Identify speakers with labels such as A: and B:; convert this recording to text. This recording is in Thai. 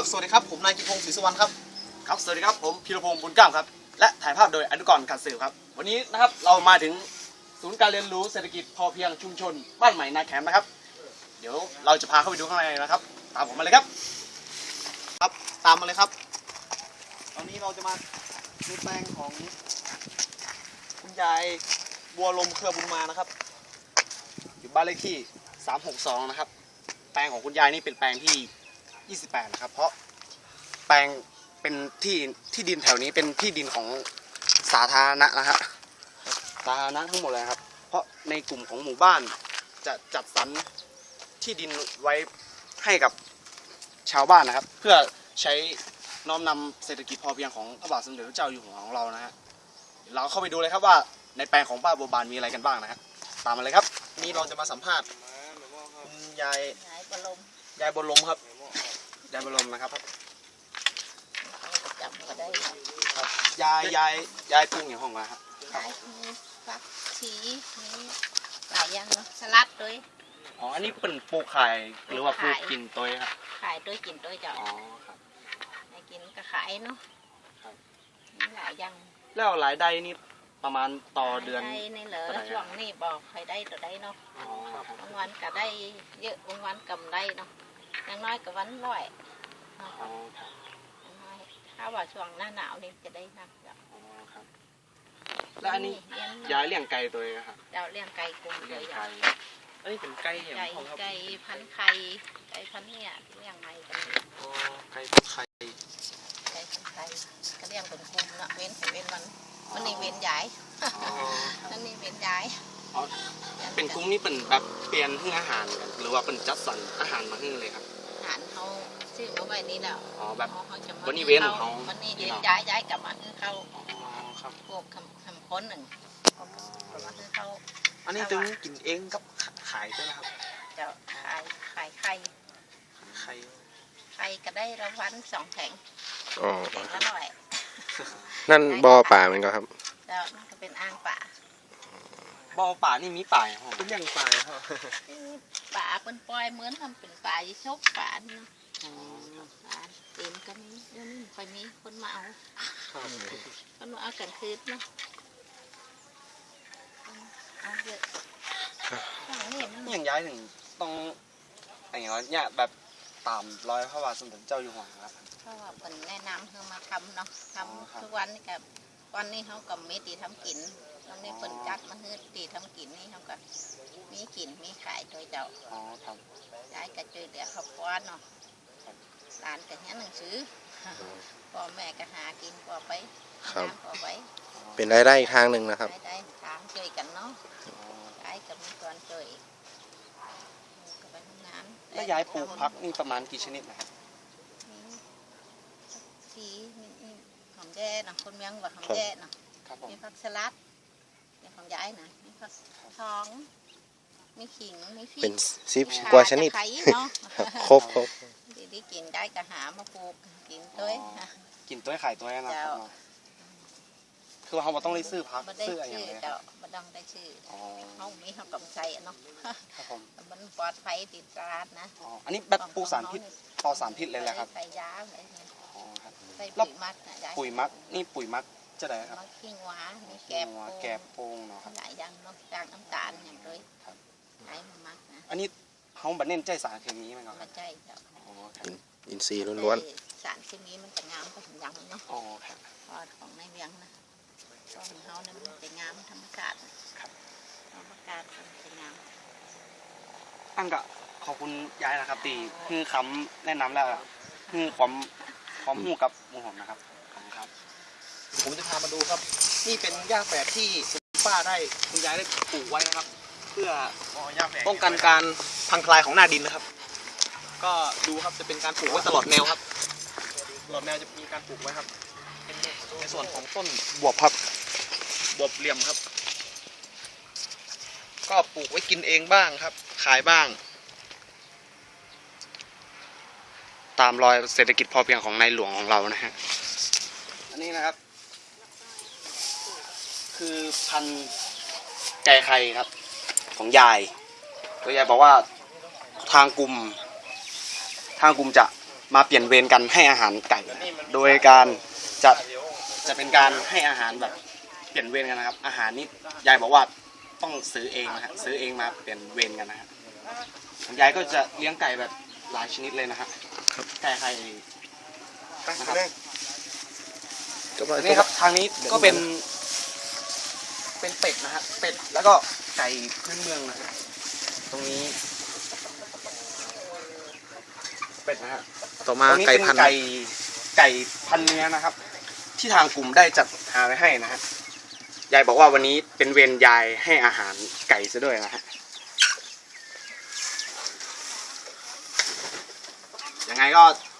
A: ครับสวัสดีครับผมนายกิพงศ์ศรีสุวรรณครับ
B: ครับสวัสดีครับผมพีรพงศ์บุญกล้ามครับและถ่ายภาพโดยอนุกรณ์การสื่อครับวันนี้นะครับเรามาถึงศูนย์การเรียนรู้เศรษฐกิจพอเพียงชุมชนบ้านใหม่นาแขมนะครับเดี๋ยวเราจะพาเข้าไปดูข้างในนะครับตามผมมาเลยครับ
A: ครับตามมาเลยครับตอนนี้เราจะมาดูแปลงของคุณยายบัวลมเครือบุญมานะครับ
B: อยู่บ้านเลขที่362นะครับแปลงของคุณยายนี่เป็นแปลงที่28นะครับเพราะแปลงเป็นที่ดินแถวนี้เป็นที่ดินของสาธารณะนะฮะสาธารณะทั้งหมดเลยครับเพราะในกลุ่มของหมู่บ้านจะจัดสรรที่ดินไว้ให้กับชาวบ้านนะครับเพื่อใช้น้อมนำเศรษฐกิจพอเพียงของพระบาทสมเด็จพระเจ้าอยู่หัวของเรานะฮะเราเข้าไปดูเลยครับว่าในแปลงของป้าบัวบานมีอะไรกันบ้างนะครับตามมาเลยครับ
A: นี่เราจะมาสัมภาษณ์คุณยาย
C: บัวลม
A: ครับ
B: ยายบัวลมนะครับ
C: จำก็ได้
B: ครับยายปรุงอย่างห้องมาครับ
C: ยายมีฟักชีมีหลายอย่างเนาะสลัดด้วย
B: อ๋ออันนี้เป็นปลูกขายหรือว่าปลูกกินตัวครับ
C: ขายด้วยกินด้วยจ้ะ
B: อ๋อครับ
C: ให้กินก็ขายเนาะครับมีหลายอย่าง
B: แล้วรายได้นี่ประมาณต่อเดือน
C: ได้ในเหลือช่วงนี้บอกใครได้ตัวได้เนาะบางวันก็ได้เยอะบางวันกำไรเนาะอย่างน้อยก็วันร้อยถ้าว่าช่วงหน้าหนาวนี่จะได้นักจ้ะ
B: แล้วอันนี้ยายเลี้ยงไก่ตัวเองครับ
C: เจ้าเลี้ยงไก่กุ้ง
B: เลี้ยงไก่อันนี้เป็นไก่อย่าง
C: ไก่พันไข่ไก่พันเนี่ยเลี้ยงใหม่กัน
B: อ๋อไก่พันไข่
C: ไก่พันไข่ก็เลี้ยงเป็นกลุ่มเนาะเว้นมันนี่เว้นย้ายนั่นนี่เว้นย้าย
B: เป็นกลุ่มนี้เป็นแบบเปลี่ยนให้อาหารกันหรือว่าเป็นจัดสรรอาหารมาให้เลยครับ
C: อาหารเขาซื้อมาไว้นี่แล้ว
B: อ๋อแบบวันนี้เว้นของเขา
C: วันนี้เว้นย้ายกลับมาให้เขาพวกคำค้นหนึ่งกลับมาให้เขา
A: อันนี้ถึงกินเองกับขายใช่ไหมครับ
C: จะขายไข่ก็ได้รางวัล2 แผงแผงละ100
D: นั่นบ่อป่ามันก็ครับ
C: แล้วนั่นก็เป็นอ่างป่า
B: บ่อป่านี่มีป่า
A: เป็นอย่างป่าครับ
C: ป่าเป็นปล่อยเหมือนทำเป็นป่ายิ่ชกป่าเนาะป่าเต็มก็มีเดี๋ยวนี้ค่อยมีคนมาเอาคนมาเอากันคืนเนาะเอาเยอะ
B: อย่างย้ายถึงต้องอย่างเงี้ยเนี่ยแบบตามรอยพระบาทสมเด็จเจ้าอยู่หัวครับ
C: เพราะว่าเป็นแนะนำเพื่อมาทำเนาะทำทุกวันนี่กับวันนี้เขากับมีตีทำกินตอนนี้คนจัดมาให้ตีทำกินนี่เขากับมีกินมีขายโดยเจ้า
B: อ๋อครับ
C: ย้ายกระจุยเดี๋ยวเขาป้อนเนาะร้านกับเนี้ยหนังสือพ่อแม่ก็หากินพอไปพอไป
D: เป็นรายได้อีกทางหนึ่งนะครับ
C: ได้ทางช่วยกันเนาะย้ายกับมีก่อนช่วยก็ไปทำงาน
B: แล้วย้ายปลูกพักนี่ประมาณกี่ชนิดนะครับ
C: สีหอมแย่เนาะคนเมืองว่าหอมแย่เนาะมีผักสลัดมีของย้ายนะมีผักทองมีขิงมีพริก
D: เป็น10 กว่าชนิดครบ
C: ดีกินได้กระหามาปลูกกินด้วย
B: กินด้วยไข่ด้วยนะครับคือเขาต้องได้ซื้อพักซื้ออะไรอย่างเงี้ย
C: เจ้าบัดองได้ชื่อเขามีเขากำไสเนาะมันปลอดภัยติดตราดนะ
B: อันนี้แบบปลูกสารพิษปลอดสารพิษเลยแหละครับ
C: ใส่ยาอะไรเนี่ยใส่
B: ปุ๋ยมักปุ๋ยมักนี่ปุ๋ยมักจะได้ครับ
C: มักขี้งวามีแกบ
B: โป่งเนาะ
C: หลายอย่างเนาะจางน้ำตาลอย่างเลยใช้มักนะ
B: อันนี้เขาบัดเน้นใจสารเคมีไหมครับ
C: ใจเจ้า
D: อินทรีย์ล้วน
C: สารเคมีมันจะงามก็ถึงยังเนาะ
B: อ๋อครับ
C: ของในเวียงนะของเขาเนี่ยมันจะงามธรรมชาติ
B: ครับ
C: ธรรมชาติมันจะงาม
B: ตั้งก็ขอบคุณยายนะครับตีคือคำแนะนำแล้วคือความหูกับหมูหอมนะครับครับ
A: ผมจะพามาดูครับนี่เป็นหญ้าแฝกที่คุณป้าได้คุณยายได้ปลูกไว้นะครับเพื่อป้องกันการพังทลายของหน้าดินนะครับก็ดูครับจะเป็นการปลูกไว้ตลอดแนวครับตลอดแนวจะมีการปลูกไว้ครับในส่วนของต้นบวบครับบวบเหลี่ยมครับก็ปลูกไว้กินเองบ้างครับขายบ้าง
B: ตามรอยเศรษฐกิจพอเพียงของในหลวงของเรานะฮะอันนี้นะครับคือพันธุ์ไก่ไข่ครับของยายตัวยายบอกว่าทางกลุ่มจะมาเปลี่ยนเวรกันให้อาหารไก่ โดยการจะเป็นการให้อาหารแบบเปลี่ยนเวรกันนะครับ อาหารนี้ยายบอกว่าต้องซื้อเองนะฮะซื้อเองมาเปลี่ยนเวรกันนะฮะยายก็จะเลี้ยงไก่แบบหลายชนิดเลยนะฮะไก่ไข่นะครับนี่ครับทางนี้ก็เป็นเป็ดนะฮะเป็ดแล้วก็ไก่พื้นเมืองนะฮะตรงนี้เป็ดนะฮะ
D: ต่อมา
B: ตรงนี้
D: ไก่
B: เป็น
D: พันธุ์
B: ไก่พันเนื้อนะครับ ที่ทางกลุ่มได้จัดหาไว้ให้นะฮะยายบอกว่าวันนี้เป็นเวรยายให้อาหารไก่ซะด้วยนะฮะยังไงก็